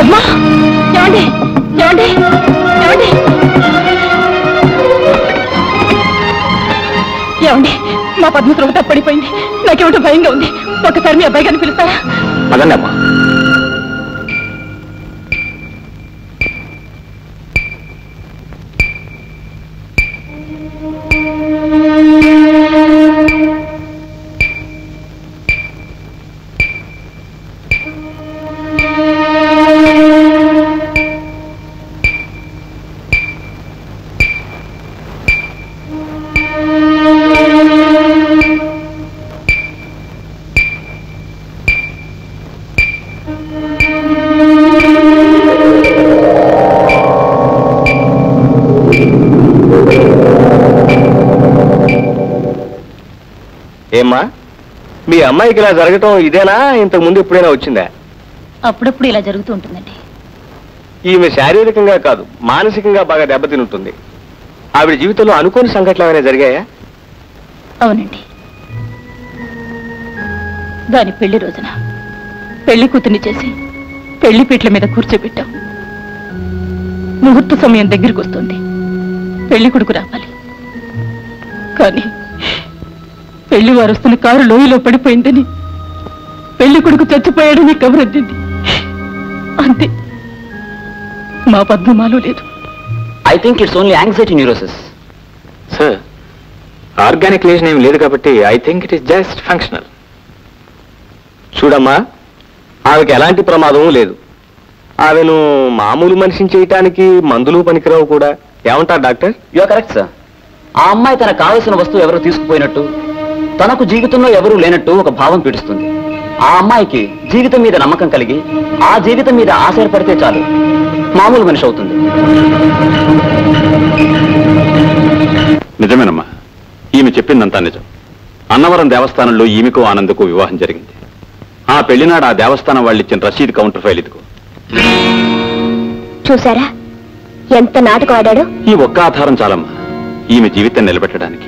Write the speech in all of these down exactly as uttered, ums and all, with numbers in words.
పద్మ ఏమండి ఏమండి ఏమండి ఏమండి మా పద్మ త్రోట పడిపోయింది. నాకేమిటో భయంగా ఉంది. ఒకసారి మీ అబ్బాయి గారిని పిలుస్తారా? అదన్నా అమ్మా. ఏమ్మా, మీ అమ్మాయికి ఇలా జరగటం ఇదేనా? ఇంతకు ముందు ఎప్పుడైనా వచ్చిందా? అప్పుడప్పుడు ఇలా జరుగుతూ ఉంటుందండి. ఈమె శారీరకంగా కాదు, మానసికంగా బాగా దెబ్బతిని ఉంటుంది. ఆవిడ జీవితంలో అనుకోని సంఘటనలు ఏమైనా జరిగాయా? అవునండి. దాని పెళ్లి రోజున పెళ్లి కూతుర్ని చేసి పెళ్లి పీటల మీద కూర్చోబెట్టాం. ముహూర్త సమయం దగ్గరికి వస్తుంది. పెళ్లి కొడుకు రావాలి. కానీ పెళ్లి వారు వస్తున్న కారు లోయలో పడిపోయిందని, పెళ్లి కొడుకు చచ్చిపోయాడని కబురద్దింది. అంతే. మా పద్మమాలో లేదు. I think it's only anxiety neurosis. Sir, organic lesion ఏమి లేదు కాబట్టి I think it is just functional. చూడమ్మా, ఆమెకి ఎలాంటి ప్రమాదము లేదు. ఆమెను మామూలు మనిషిని చేయటానికి మందులు పనికిరావు కూడా. ఏమంటారు doctor? You are correct sir. ఆ అమ్మాయి తనకు కావలసిన వస్తువు ఎవరు తీసుకుపోయినట్టు, తనకు జీవితంలో ఎవరూ లేనట్టు ఒక భావం పీడిస్తుంది. ఆ అమ్మాయికి జీవితం మీద నమ్మకం కలిగి ఆ జీవితం మీద ఆశపడితే చాలు, మామూలు మనిషి అవుతుంది. నిజమేనమ్మా, ఈమె చెప్పిందంతా నిజం. అన్నవరం దేవస్థానంలో ఈమెకు ఆనందకు వివాహం జరిగింది. ఆ పెళ్లినాడు ఆ దేవస్థానం వాళ్ళు ఇచ్చిన రసీదు కౌంటర్ ఫైల్ ఇదిగో. చూసారా ఎంత నాటకం ఆడాడు? ఈ ఒక్క ఆధారం చాలమ్మా ఈమె జీవితం నిలబెట్టడానికి.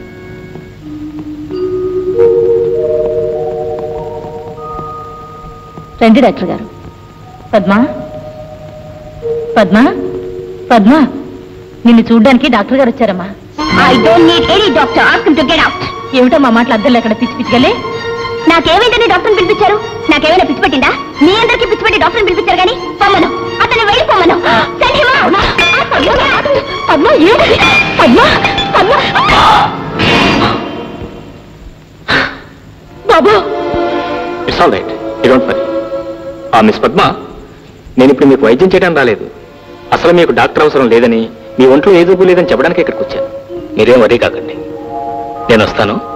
రండి డాక్టర్ గారు. పద్మా పద్మా పద్మా నిన్ను చూడ్డానికి డాక్టర్ గారు వచ్చారమ్మా. I don't need any doctor. Ask him to get out. ఏమిటో మా మాటలు అద్దెలు ఎక్కడ పిచ్చి పిచ్చిగలే? నాకేమైందని డాక్టర్ని పిలిపించారు? నాకేమైనా పిచ్చి పట్టిందా? మీ అందరికీ పిచ్చి పట్టి డాక్టర్ని పిలిపించారు కానీ పొమ్మను, అతను వెళ్ళిపోమను. పద్మ ఏమిటి? పద్మ పద్మ బాబు. It's all right, you don't worry. ఆ మిస్ పద్మ, నేను ఇప్పుడు మీకు వైద్యం చేయడం రాలేదు. అసలు మీకు డాక్టర్ అవసరం లేదని, మీ ఒంట్లో ఏ జబ్బు లేదని చెప్పడానికి ఇక్కడికి వచ్చాను. మీరేం వరీ కాకండి. నేను వస్తాను.